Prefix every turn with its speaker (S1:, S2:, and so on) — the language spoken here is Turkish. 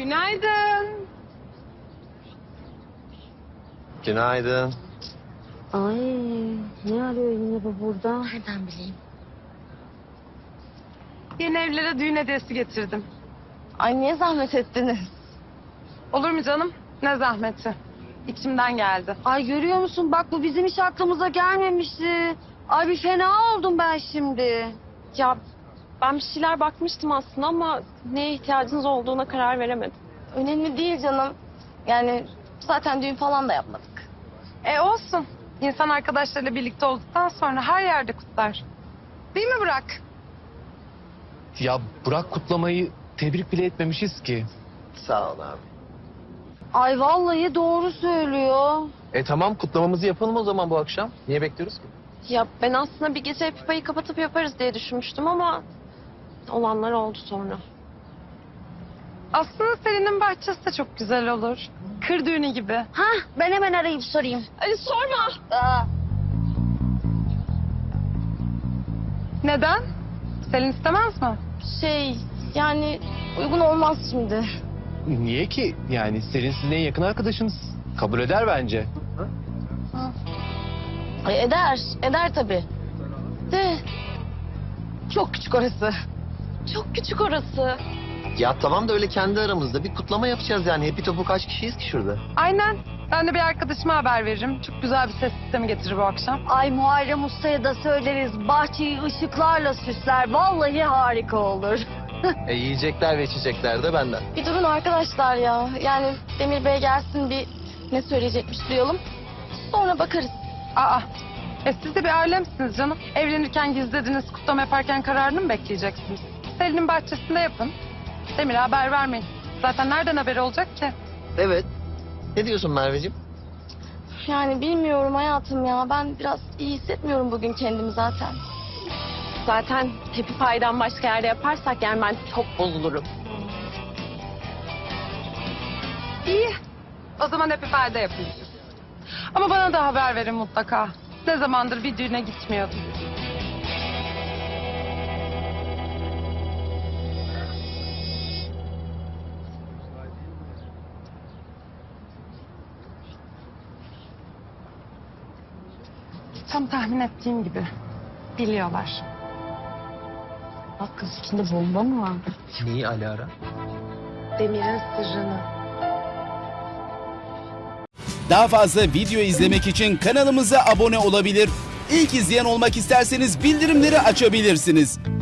S1: Günaydın.
S2: Günaydın.
S3: Ay, ne arıyor yine bu burada?
S4: Nereden bileyim?
S1: Yeni evlere düğün hediyesi getirdim.
S4: Ay niye zahmet ettiniz?
S1: Olur mu canım? Ne zahmeti. İçimden geldi.
S3: Ay görüyor musun? Bak bu bizim hiç aklımıza gelmemişti. Ay bir fena oldum ben şimdi.
S4: Ya ben bir şeyler bakmıştım aslında ama neye ihtiyacınız olduğuna karar veremedim. Önemli değil canım. Yani zaten düğün falan da yapmadık.
S1: Olsun. İnsan arkadaşlarıyla birlikte olduktan sonra her yerde kutlar. Değil mi Burak?
S5: Ya Burak kutlamayı tebrik bile etmemişiz ki.
S2: Sağ ol abi.
S3: Ay vallahi doğru söylüyor.
S2: Tamam kutlamamızı yapalım o zaman bu akşam. Niye bekliyoruz ki?
S4: Ya ben aslında bir gece pipayı kapatıp yaparız diye düşünmüştüm ama olanlar oldu sonra.
S1: Aslında Selin'in bahçesi de çok güzel olur. Kır düğünü gibi.
S3: Hah ben hemen arayıp sorayım.
S4: Ay sorma.
S3: Aa,
S1: Neden? Selin istemez mi?
S4: Yani uygun olmaz şimdi.
S5: Niye ki? Yani Selin sizin en yakın arkadaşınız. Kabul eder bence.
S4: Ay eder tabii. De çok küçük orası. Çok küçük orası.
S2: Ya tamam da öyle kendi aramızda bir kutlama yapacağız yani. Hepi topu kaç kişiyiz ki şurada?
S1: Aynen. Ben de bir arkadaşıma haber veririm. Çok güzel bir ses sistemi getirir bu akşam.
S3: ay Muharrem Usta'ya da söyleriz. Bahçeyi ışıklarla süsler. Vallahi harika olur.
S2: Yiyecekler ve içecekler de benden.
S4: Bir durun arkadaşlar ya. Yani Demir Bey gelsin bir ne söyleyecekmiş duyalım. Sonra bakarız.
S1: Aa. Siz de bir ailemsiniz canım. Evlenirken gizlediniz, kutlama yaparken kararını mı bekleyeceksiniz? Selin'in bahçesinde yapın. Demir'e haber vermeyin. Zaten nereden haberi olacak ki?
S2: Evet. Ne diyorsun Merveciğim?
S4: Yani bilmiyorum hayatım ya. Ben biraz iyi hissetmiyorum bugün kendimi zaten. Zaten Happy Pie'den başka yerde yaparsak yani ben çok bozulurum.
S1: İyi. O zaman hep ifade yapın. Ama bana da haber verin mutlaka. Ne zamandır bir düğüne gitmiyordum. Tam tahmin ettiğim gibi. Biliyorlar.
S3: Bak kız içinde bomba mı var?
S2: Neyi Alara?
S1: Demir'in sırrını.
S6: Daha fazla video izlemek için kanalımıza abone olabilir. İlk izleyen olmak isterseniz bildirimleri açabilirsiniz.